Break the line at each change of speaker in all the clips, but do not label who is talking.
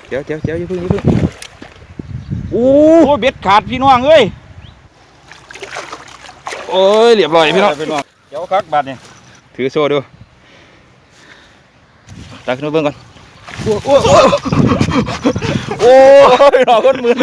เดี๋ยวอย่าพึ่งโอ้
เบ็ดขาดพี่น้องเอ้ย
โอ้ยเรียบร้อยพี่น้อง
เดี๋ยวคักบาดนี่
ถือโซ่ดูตักขึ้นมาเบิ่งก่อนโอ้ยหลอกคนมือ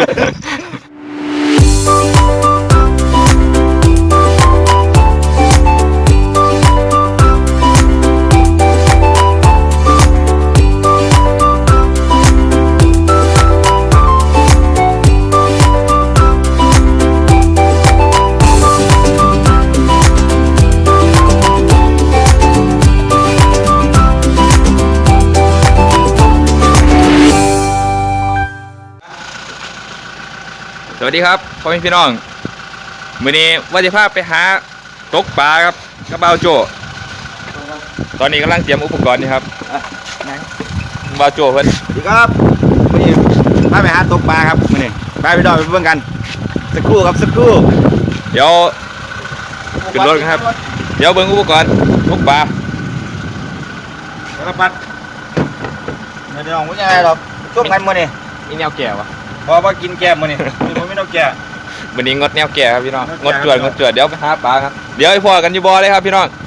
สวัสดีครับพ่อแม่พี่น้องมื้อนี้ว่าจะพาไปหาตกปลาครับกระเบาโจตอนนี้กำลังเตรียมอุปกรณ์นี่ครับเบาโจเพิ่น
สวัสดีครับมื้อนี้พาไปหาตกปลาครับมื้อนี้ไปพี่น้องไปเบิ่งกันสักครู่ครับสักครู่
เดี๋ยวขึ้นรถครับเดี๋ยวเบิ่งอุปกรณ์ตกปลา
แล้วก็ปัดไม่ได้น้องบ่ใหญ่หรอกช่วงกันมื้อนี้
นี่แนวแก่วะ
พอว่ากินแก้มมื้อนี้บ่มีน้องแก่
วันนี้งดแนวแก่ครับพี่น้องงดจวดเดี๋ยวไปหาปลาครับเดี๋ยวไอ้พ่อกันอยู่บ่อเลยครับพี่น้อง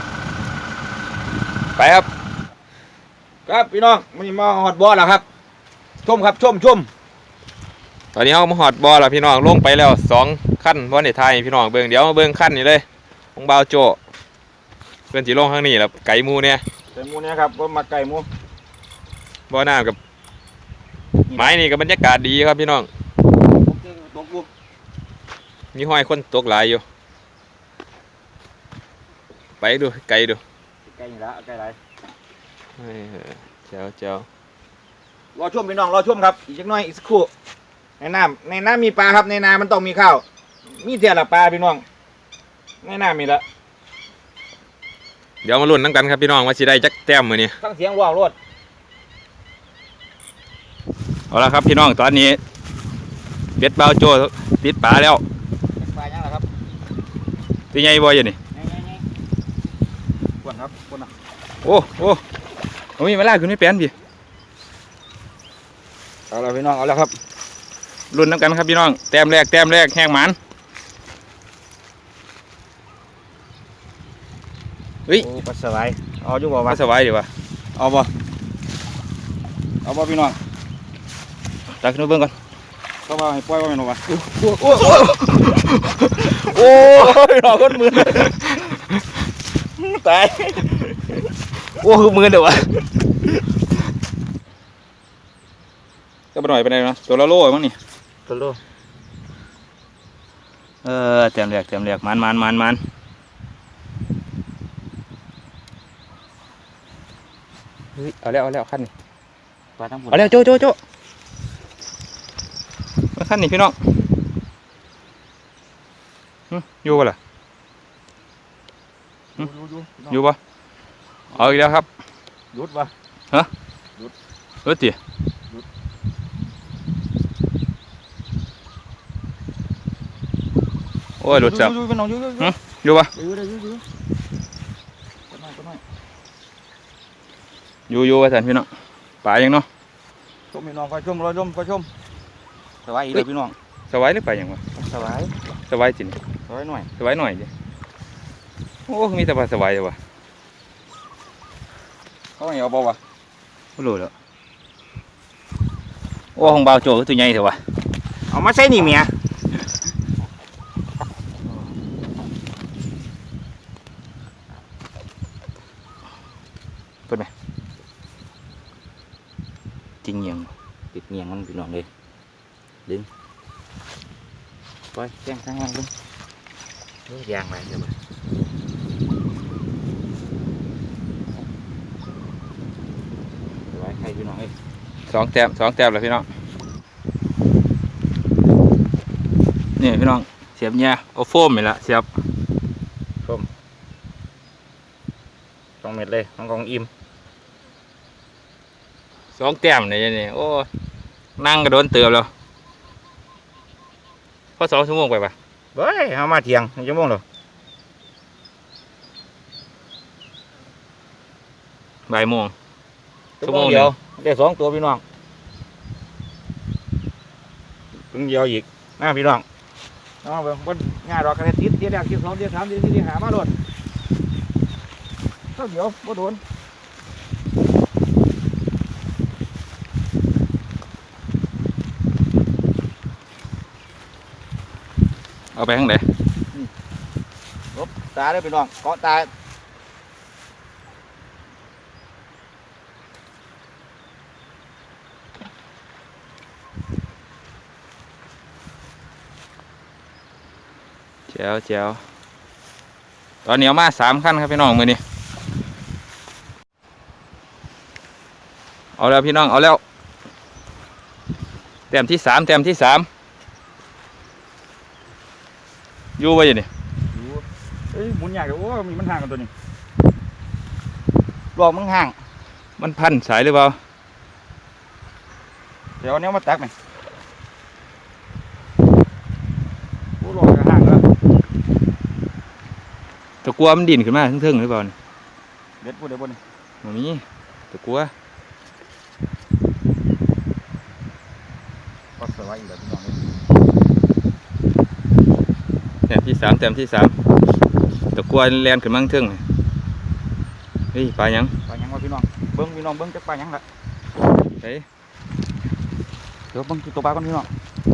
ไปครับ
ครับพี่น้องมื้อนี้มาฮอดบ่อแล้วครับชมครับชม
ตอนนี้เรามาฮอดบ่อแล้วพี่น้องลงไปแล้ว2ขั้นบ่ได้ถ่ายพี่น้องเบิ่งเดี๋ยวมาเบิ่งขั้นนี่เลยของบ่าวโจเพิ่นสิลงข้างนี้แล้วไก่หมูเนี่ย
ไก่หมูเนี่ยครับบ่มาไก่หมู
บ่อน้ำกับไม้นี่กับบรรยากาศดีครับพี่น้องมีห้อยคนตกหลายอยู่ไปดูไกลดู
ไกลอยู่แล้วไกลไร
เจ้
รอชมพี่น้องรอชมครับอีกสักหน่อยอีกสักครู่ในน้ำมีปลาครับในนามันต้องมีข้าวมีเท่าละปลาพี่น้องในน้ำมีละ
เดี๋ยวมาลุ้นนั่งกันครับพี่น้องว่าสิได้จักแต้มมื้อนี้
ฟังเสียงว่าวรถ
เอาละครับพี่น้องตอนนี้เบ็ดเบาโจติดปลาแล้ว
ปลายังไงครับ
ตีใหญ่บ่อยอยู่นี่
กวนครับกวนนะ
โอ้มีเวลาขึ้นไม่เป็นพี่
เอาละพี่น้องเอาแล้วครับ
ลุ้นน้ำกันครับพี่น้องแต้มแรกแห้งหมันเฮ้ย
ปลาสวายเอาอยู่บ่
ปลาสวายดีวะ
เอาบ่พี่น้อง
ตักขึ้นมาเบิ่งก่อน
เข้ามาให้ปล่อยว่าแม่นบ่
โอ้ยหลอกคนมือ
ตาย
โอ้คือมือเดี๋ยววะก็ไปหน่อยไปไหนนะตัวละโลมั้งนี่
ตัวโล
แต้มแรกมันเฮ้ยเอาแล้วขั้นนี่เอาแล้วโจขั้นนี่พี่น้องอยู่ป่ะล่ะอยู่ป่ะเอาอีกแล้วครับ
หยุดป่ะ
ฮะหยุดจีโอ้ยหลุดจับอยู่ป่ะอยู่ว่าสันพี่น้องป่ายังเนาะ
ชมพี่น้องก็ชมรอชมสบายอีกเลยพี่น้อง
สบายหรือไปยังวะ
สบาย
จริง
สบายห
น่อยดิโอ้มีแต่ปลาสบายเลยวะ
เขาไม่เอาบ่วะ
ไม่รู้แล้วโอ้ของเบาโจ้ตัวใหญ่เถอะวะ
เอามาใส่นี่เมีย
เป็นไหมจริงยัง
ติดเงียงมันพี่น้องเลยดึงปล่อยแจ้งทางล่างดึงยางอะไรเดี๋ยวไว้ให้พี่น้องเลย
2 แต้มเลยพี่น้องนี่พี่น้องเสียบเนี่ยโอ้โฟมนี่ละเสียบ
โฟม2 เม็ดเลยของอิ่ม
2 แต้มนี่โอ้นั่งกระโดนเติมแล้วพอ2 ชั่วโมงไปปะ
เฮ้ยเอามาเที่ยง1 ชั่วโมงหรอ
บ่ายโมง
ชั่วโมงเดียวได้2 ตัวพี่น้องพึ่งเดียวอีกนะพี่น้องเอาเบิ่งบนง่ายดอกกระติดเดียวแรกเดียวสองเดียวสามเดียวสี่เดียวหามาโดนก็เดี๋ยวบ่โดน
เอาไปข้างไหน
ลบตาได้พี่น้องเกาะตา
แจ๋วแจ๋วตอนนี้เอามา3 ขั้นครับพี่น้องมือนี้เอาแล้วพี่น้องเอาแล้วแต้มที่ 3แต้มที่ 3อยู่ไว้อยู่นี่
เอ้ยหมุนยากเดี๋ยวโอ้มีมันห่างกันตัวนี้ลอกมึงห่าง
มันพันสายหรือเปล่า
เดี๋ยวเอาเนี้ยมาตักไหมโอ้ลอกจะห่างแล้ว
ตะกัวมันดิ่นขึ้นมาทึ่งๆหรือเปล่านี่
เด็ดพูดเดี๋ยวบน
บ่มีตะกัว
ก็สบายอีกแล้วพี่น้อง
แต้มที่ 3แต้มที่ 3ตะกัวแลนขึ้นมาทึ่งเฮ้ยปลาหยัง
ปลาหยังวะพี่น้องเบิ้งพี่น้องเบิ้งจักปลาหยังละ
เฮ้ย
เดี๋ยวเบิ้งตัวปลาก่อนพี่น้อง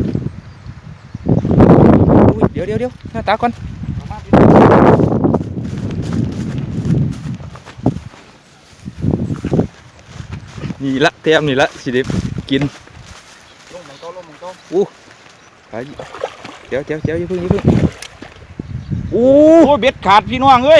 อุ้ยเดี๋ยวหน้าตาก่อนนี่ละแต้มนี่ละสิได้กิน
ลงมันโตลงมันโต
ไปเดี๋ยวอย่าเพิ่ง
โอ้เบ็ดขาดพี่น้องเอ้ย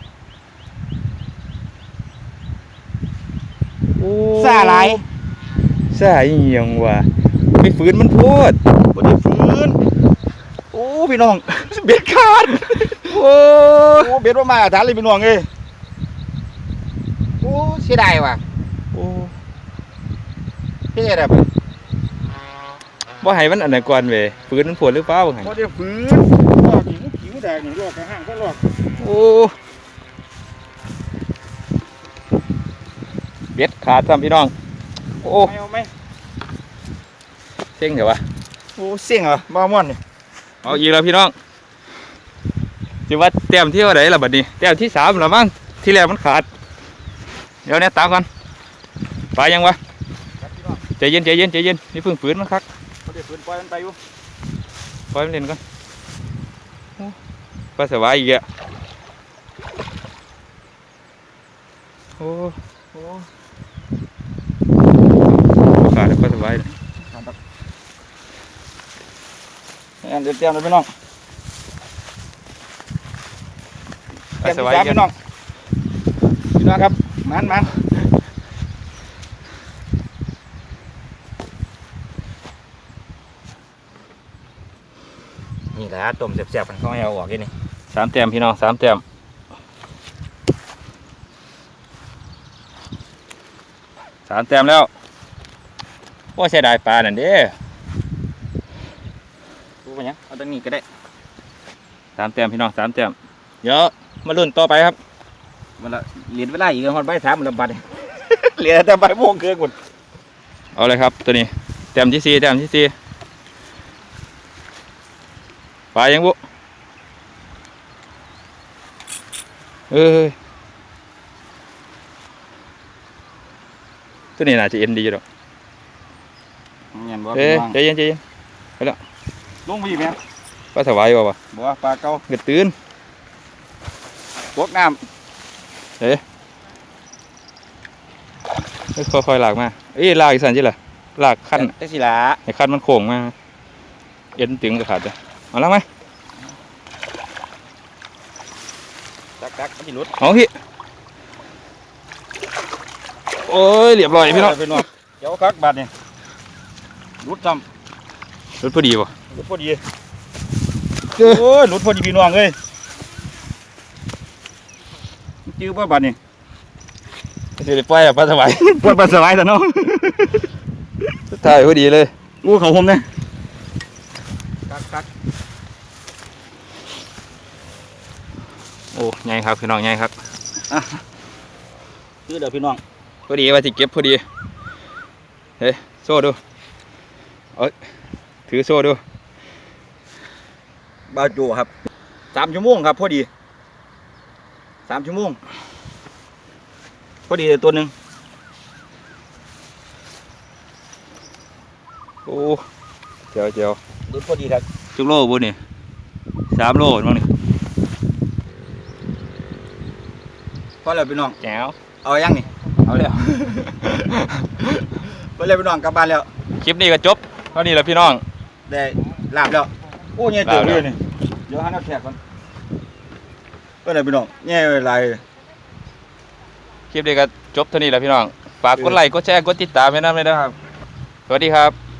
ซาหลาย
ซ่าอีหยังวะไปฝืนมันโพด
บ่ได้ฟื้นโอ้พี่น้อง เบ็ดขาด
โอ้
โอ้เบ็ดว่ามาฐานเลยพี่น้องเอ้ยโอ้เสียดายว่ะ
โอ้
เฮ็ดแบบ
บ่ให้มันอันไหนก่อนเว้ยฝืนมันโพดหรือเปล่าบ่ให้
บ่ได้ฟื้นลอกหิวผิวแดงนี่ลอกกระห่างก็ลอก
โอ้เบ็ดขาดซ้ำพี่น้องโอ้
ไม่เอาไหม
เซ็งเดี๋ยววะ
โอ้เสี่ยงเหรอบ้าม่วนนี่
เอาอีกแล้วพี่น้องสิว่าแต้มที่เท่าไหร่ล่ะบัดนี้แต้มที่3แล้วมั้งที่แรกมันขาดเดี๋ยวเนี่ยตามก่อนไปยังวะ
ครับพี่น้อง
ใจเย็นนี่เพิ่งฝืนมันคัก
บ่ได้ฟื้นปล่อยมันไปอยู่
ปล่อยมันเล่นก่อนโอ้ปลาสวายอีกอ่ะโอ้
โอ้
ขาดแล้วปลาสวายเลย
งั้นเดี๋ยวเตรียมเลยพี่น้อง
ปลาสวาย
เตรี
กั
ม
น
พี่น้องครับมันนี่แหละต้มแซ่บๆกันเขาให้เอาออกแค่นี้
3 แต้มพี่น้อง3 แต้ม3 แต้มแล้วโอ้เสียดายปลานั่นเด้
ดูไปยังเอาตรงนี้ก็ได้
3 แต้มพี่น้อง3 แต้มเดี๋ยวมาลุ้นต่อไปครับ
มันละเหรียญเวลาอีกคนใบถามมันละบัด เหรียญแต่ใบโมงเกินหมด
เอาเลยครับตัวนี้แต้มที่ 4แต้มที่ 4ปลายังบุเอ้ยตัวนี้น่าจะเอ็นดีอยู่ดอก
เงี้ยบ่
เอ้ยใจเย็น
ลงไปอีกไหม
ปลาสวายบ่วะ
บ่ปลาเก่า
เกิดตื่น
พวกน้
ค่อยๆลากมาเอ้ยลากอีกสันจิล่ะลาก
ำ
ขั้น
แต่สิละ
ให้ขั้นมันโค้งมาเอ็นตึงก็ขาดเลยเอาแล้วไหม
ตักมันสิหลุด
เอาพี่โอ้ยเรียบร้อยพี่น้อง
พี่น้องเดี๋ยวคักบาดนี่หลุดซ้
รถพอดีป่ะ
ำหลุดพอดีโอ้ยหลุดพอดีพี่น้องเอ้ยจื้อบ่บาดนี่
จะได้ปล่อยอะปลาสวาย
ปวดปลาสบายแต่น้อง
ถ่ายพอดีเลย
อู้เขาผมเนี่ยคัก
โอ้ใหญ่ครับพี่น้องใหญ่ครับ
จื้อเดี๋ยวพี่น้อง
พอดีว่าสิเก็บพอดีเฮ้ยโซ่ดูเอ้ยถถือโซ่ดู
บาโจครับ3 ชั่วโมงครับพอดี3 ชั่วโมงพอดีตัวหนึ่ง
โอ้เจียวเจียว
ดูพอดีครับ
จุกโลบุนี่3 โลมั้งนี่
พอแล้วพี่น้อง
แจ๋ว
เอายังนี่
เอาแล้ว
พอแล้วพี่น้องกลับบ้านแล้ว
คลิปนี้ก็จบเท่านี้แหละพี่น้อง
ได้ลาบแล้วโอ้เนี่ยเติบเลยนี่เดี๋ยวหาน้ำแขกก่อนพอแล้วพี่น้องเนี่ยลาย
คลิปนี้ก็จบเท่านี้แหละพี่น้องฝากกดไลค์กดแชร์กดติดตามให้นะเลยนะครับสวัสดีครับ